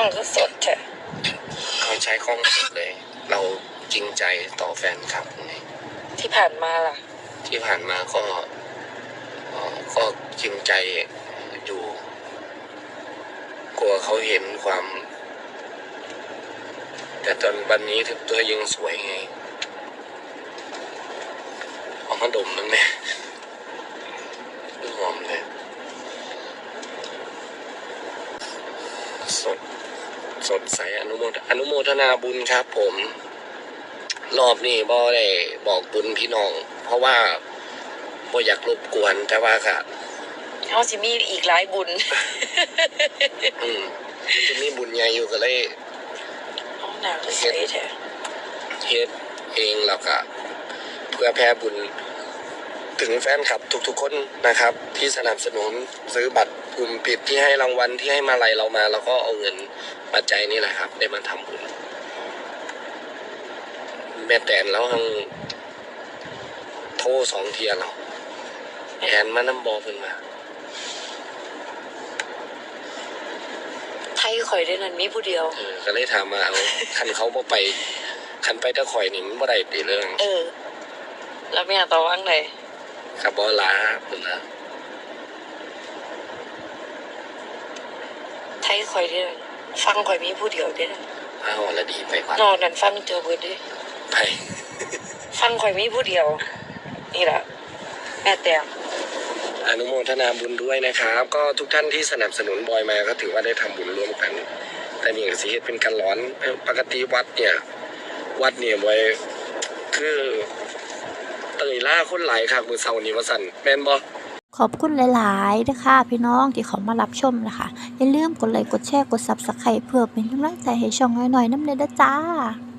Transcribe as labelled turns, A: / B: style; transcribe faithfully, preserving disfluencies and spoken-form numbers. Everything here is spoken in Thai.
A: ก็สดใช่
B: เขาใช้กล้องสดเลยเราจริงใจต่อแฟนคลับไง
A: ที่ผ่านมาล่ะ
B: ที่ผ่านมาก็ก็จริงใจอยู่กลัวเขาเห็นความแต่ตอนวันนี้ถึงตัวยังสวยไงหอมขนมนั่นแหละหอมเลยสดสดใสอนุโมทอนุโมทนาบุญครับผมรอบนี้บ่ได้บอกบุญพี่น้องเพราะว่าบ่อยากรบกวนแต่ว่าค่ะ
A: เขาสิมีอีกหลายบุญ
B: อืมจะมีบุญใหญ่อยู่ก็เลย
A: เอาหนักเฮ็ด
B: เฮ็ดเองแล้วก็เพื่อแผ่บุญถึงแฟนคลับทุกๆคนนะครับที่สนับสนุนซื้อบัตรกลุ่มปิดที่ให้รางวัลที่ให้มาลัยเรามาแล้วก็เอาเงินปัจจัยนี่แหละครับได้มาทำบุญแม่แตนแล้วทั้งโทรสองเทียแล้วแอนมานำบอเพิ่นมา
A: ไทยข่อยได้นั่นมีผู้เดียว
B: เออก็เลยถามมาเอาคันเขาบ่ไปคันไปตะข่อยนี่มันบ่ได้ติเรื่อง
A: เออแล้วแม่ตอบว่าไง
B: ครับบ่ลาเพิ่นนะ
A: ไทยข่อยได้ฟังข่อยมีผู้เดียวเด้
B: อ้าวละดีไปกว่าน
A: อนนั่นฟังเจอเบิดเด้
B: ไป
A: ฟังข่อยมีผู้เดียวนี่ล่ะแม่แตง
B: อนุโมทนาบุญด้วยนะครับก็ทุกท่านที่สนับสนุนบอยมาก็ถือว่าได้ทำบุญร่วมกันแต่นี่ก็สิเฮ็ดเป็นการร้อนปกติวัดเนี่ยวัดเนี่ยบอยคือเตยล่าคนหลายครับมื้อเช้านี้ว่าซั่นแม่นบ่
C: ขอบคุณหลายๆนะคะพี่น้องที่เขามารับชมนะคะอย่าลืมกดไลค์กดแชร์กด ซับสไครบ์ เพื่อเป็นกำลังใจให้ช่องน้อยๆน้ำเด้อจ้า